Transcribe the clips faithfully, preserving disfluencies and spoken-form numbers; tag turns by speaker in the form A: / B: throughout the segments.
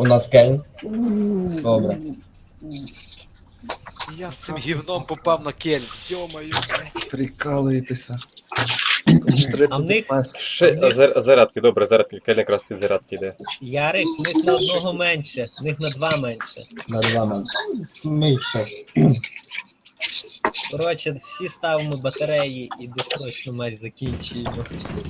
A: У нас Кейн. Добре.
B: Я з цим гівном попав на кель. Йо-моє, блядь.
C: Прикалуєтеся.
D: А в них,
E: Ще зар- зарядки, добре, зарядки, Кель якраз під зарядки йде.
D: Ярик, в них на одного менше, в них на два менше.
A: На два мене. Мийте.
D: Коротше, всі ставимо батареї і досрочно матч закінчуємо.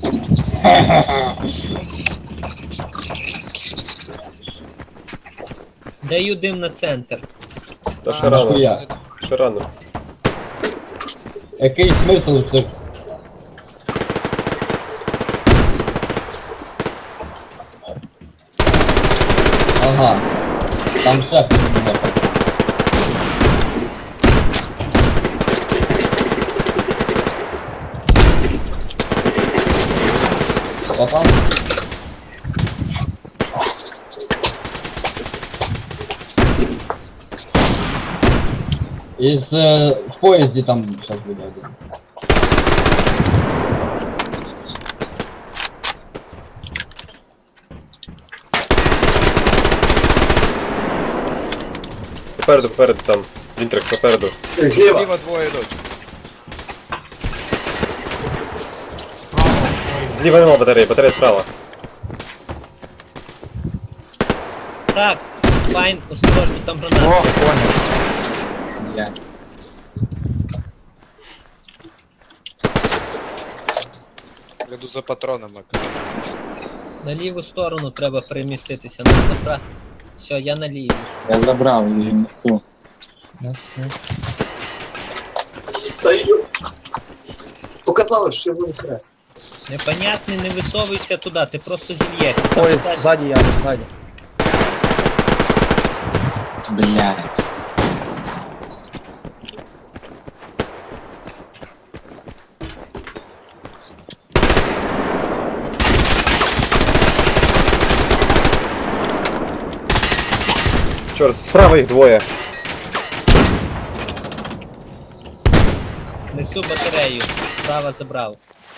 D: Даю дим на центр.
E: Та ще рано,
A: Нахуя?
E: ще рано.
A: Який смисл в цих? Ага. Там ще хтось буде. Попав? Із е, в поїзді там зараз буде один.
E: Попереду, попереду там. Вінтрик, попереду.
F: Зліва.
B: Зліва двоє йдуть.
E: Зліва нема батареї, батарея справа.
D: Так, файн, осторожно, там граната.
C: О, понял.
A: Я.
B: Йду за патронами.
D: На ліву сторону треба переміститися. На направ... Все, я на лівій.
G: Я забрав її, несу.
F: Та ю. Показали, що червоний хрест.
D: Непонятний, не висовуйся туди, ти просто зільєш.
C: Ой, ззаді я, ззаді.
G: Блядь.
E: Чорт, справа їх двоє.
D: Несу батарею. Справа забрав.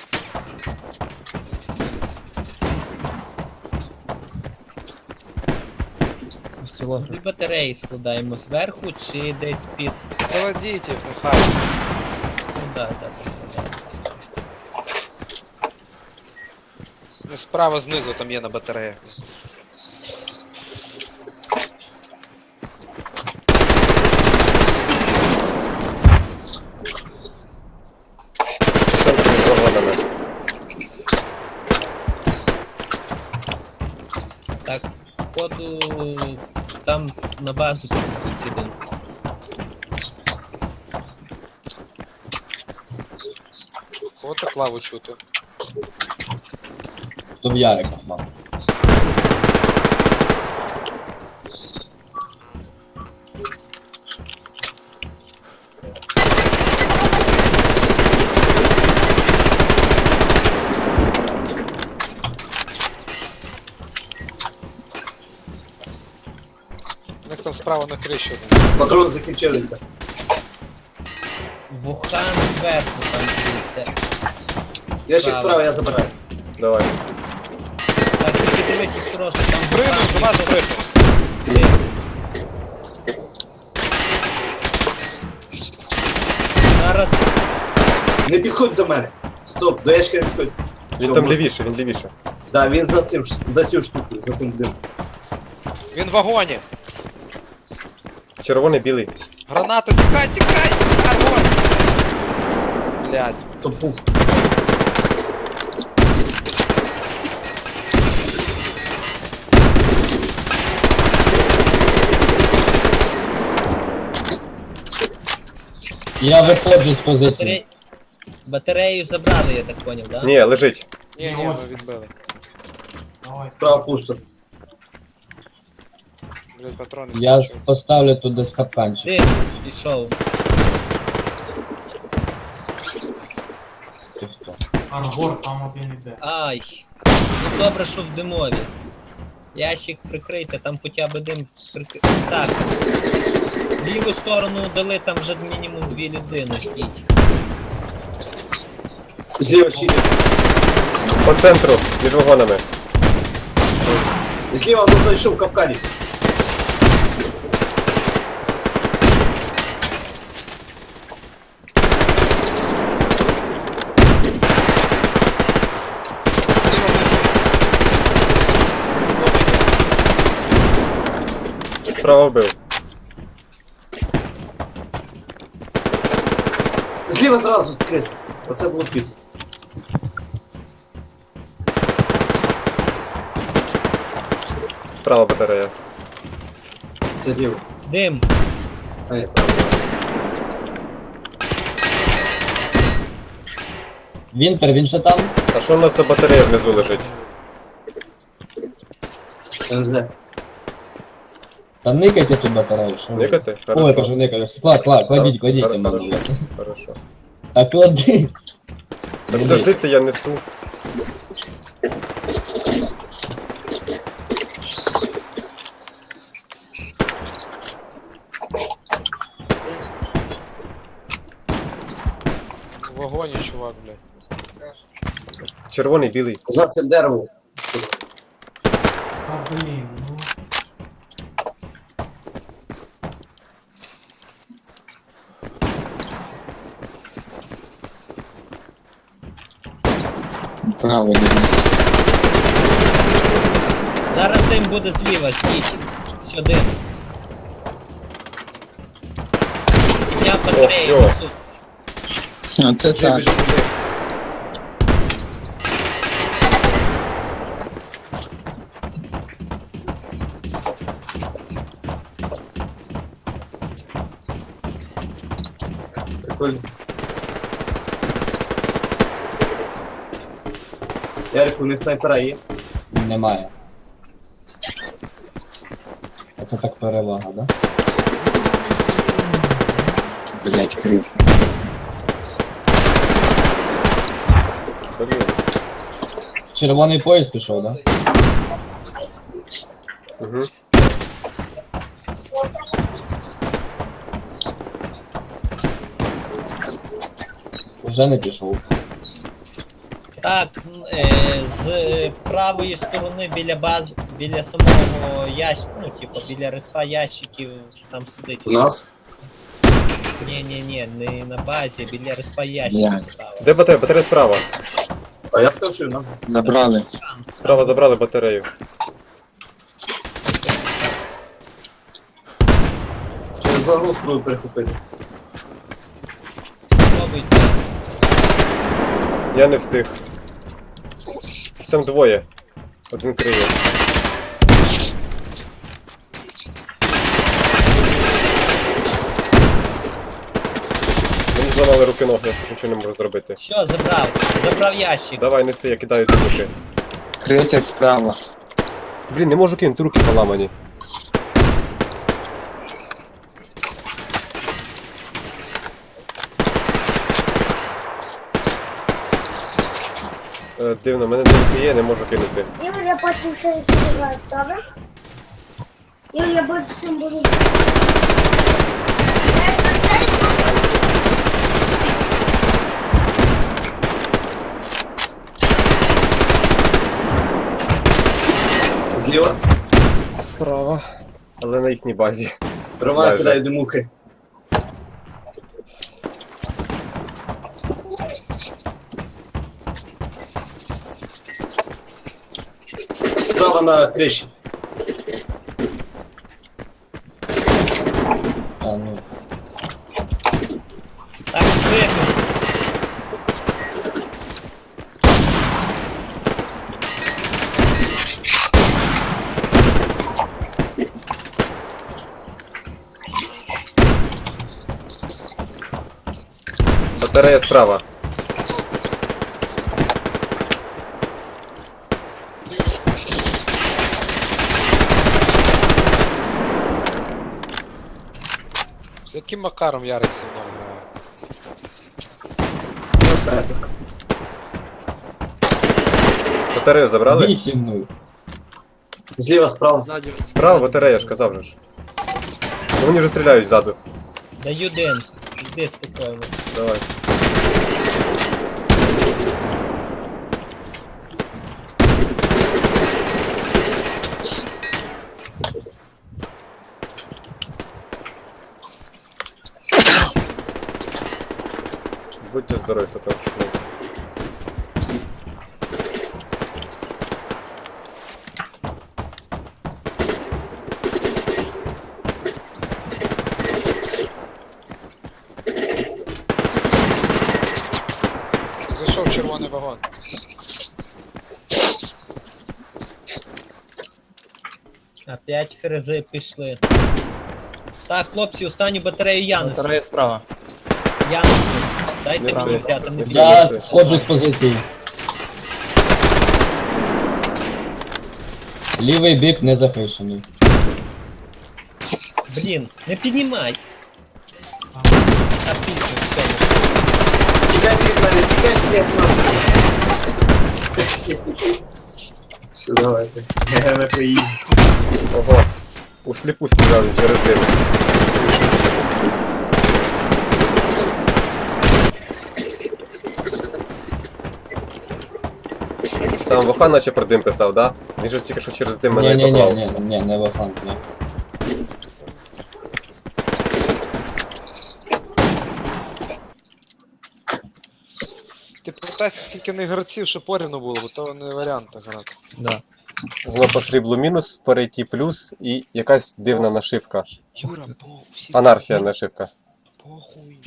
C: Село.
D: Дві батареї складаємо зверху чи десь під.
B: Кладіть їх, нехай.
D: Ну да, да, да.
B: Не справа знизу там є на батареях.
E: Центр між вагонами.
D: Так, походу там на базу підемо.
B: От так лаву чути.
A: То в Ярика мав.
B: У них там справа на криші один.
F: Патрони закінчилися.
D: Вухан зверху там дивиться.
F: Я ще справа, я забираю.
E: Давай.
D: Так, тільки дивись осторожно, там
B: Пригнув, до вас
D: Вухан.
B: пригнув.
D: Ти. Зараз
F: Не підходь до мене. Стоп, до ящика не підходь.
E: Він там лівіше, він лівіше.
F: Да, він за цим, ш- за цю штуку, за цим дим.
B: Він в вагоні.
E: Червоний, білий.
B: Граната, тікай, тікай! Огонь! Блядь.
F: То пух.
A: Я виходжу з позиції.
D: батаре... батарею забрали, я так поняв, да?
E: Ні, лежить.
B: Ні, ні, ми відбили.
F: Справа пусто.
B: Блядь, патрони.
A: Я
B: скінчили.
A: поставлю тут десь капканчик.
D: Ти пішов.
H: Аргор там один іде.
D: Ай. Ну добре, що в димові. Ящик прикрийте, там хоча б дим прикрий. Так. В ліву сторону дали, там вже мінімум дві людини ждіть.
F: Зліва ще йде.
E: По центру, між вагонами.
F: Зліва він зайшов в капкані.
E: Справа вбив.
F: Зліва зразу криса. Оце було під.
E: Справа батарея.
F: Це ліво.
D: Дим.
F: А, я правда.
A: Вінтер, він ще там?
E: А що у нас за батарея внизу лежить?
F: ен зет.
A: Та никайте цю батарею, що ви?
E: Никати?
A: Ой,
E: Хорошо.
A: кажу, никайте. Клад, клад, кладіть, кладіть,
E: Хоро-
A: мене.
E: Хорошо. Хорошо.
A: Та клади.
E: Та подождите, я несу.
B: В вагоні, чувак, блядь.
E: Червоний, білий.
F: За цим деревом.
H: А блін, ну.
G: Право дивлюсь.
D: Зараз дим буде зліва, стіть. Сюди. Зняв батарею.
E: йо.
D: несу.
G: Оце
F: Біжи,
G: так.
F: біжи, біжи. Прикольно. Ярик, у них снайпера є.
A: Немає. Оце так перевага, да?
G: Блять, крис.
E: Блін.
A: Червоний поїзд пішов, да?
E: Угу.
A: Вже не пішов.
D: Так, е, з правої сторони біля баз, біля самого ящика, ну, типу, біля респа ящиків там сидить.
F: У нас.
D: Ні, ні, ні, не на базі, біля респа
G: Як?
D: ящиків справа.
E: Де батарея? Батарея справа.
F: А я сказав, що у нас.
G: Забрали.
E: Справа забрали батарею.
F: Через вагон спробую перехопити.
D: Пробуйте.
E: Я не встиг. Їх там двоє. Один криє. Мені зламали руки ноги, я ж нічого не можу зробити.
D: Що, забрав? Забрав ящик.
E: Давай, неси, я кидаю ті руки.
G: Крисять справа.
E: Блін, не можу кинути, руки поламані. Е, Дивно, в мене руки є, не можу кинути.
I: Ігор, я потім ще розповідаю, добре? Ігор, я потім буду...
F: Зліва.
E: Справа. Але на їхній базі.
F: Роман
E: Майже.
F: кидає димухи. Справа на криші.
A: А, ну.
D: Так, вигнув.
E: Батарея справа.
B: З яким макаром Ярик зі мною грає?
F: Ну, все так.
E: Батарею забрали?
A: Вісім нуль.
F: Зліва, справа.
C: Ззаді.
E: Справа батарея, я ж казав же ж. Ну, вони вже стріляють ззаду.
D: Даю дим. Іди спокійно.
E: Давай. Будьте здорові, хто там чує.
D: П'ять фрези пішли. Так, хлопці, останню батарею Янусу.
C: Батарея справа.
D: Янусу. Дайте
E: Неси.
D: мені взяти. Не
E: Неси.
D: бійте.
A: Я сходжу з позиції. Лівий бік не захищений.
D: Блін, не піднімай. А пізно, все.
F: Тікайте від мене, тікайте від мене. Все, давайте. Ми поїздимо.
E: Ого. У сліпу стріляли через дим. Там Вохан наче про дим писав, да? Він же ж тільки що через дим мене
A: Ні,
E: і
A: ні, ні,
E: поклав.
A: ні, ні, не вахан, ні.
B: Ти пам'ятайся, скільки в них гравців, що порівну було, бо то не варіант так грати.
C: Да.
E: Знову по сріблу мінус, перейти плюс і якась дивна нашивка.
B: Юра, по всі
E: Анархія нашивка.
B: похуй.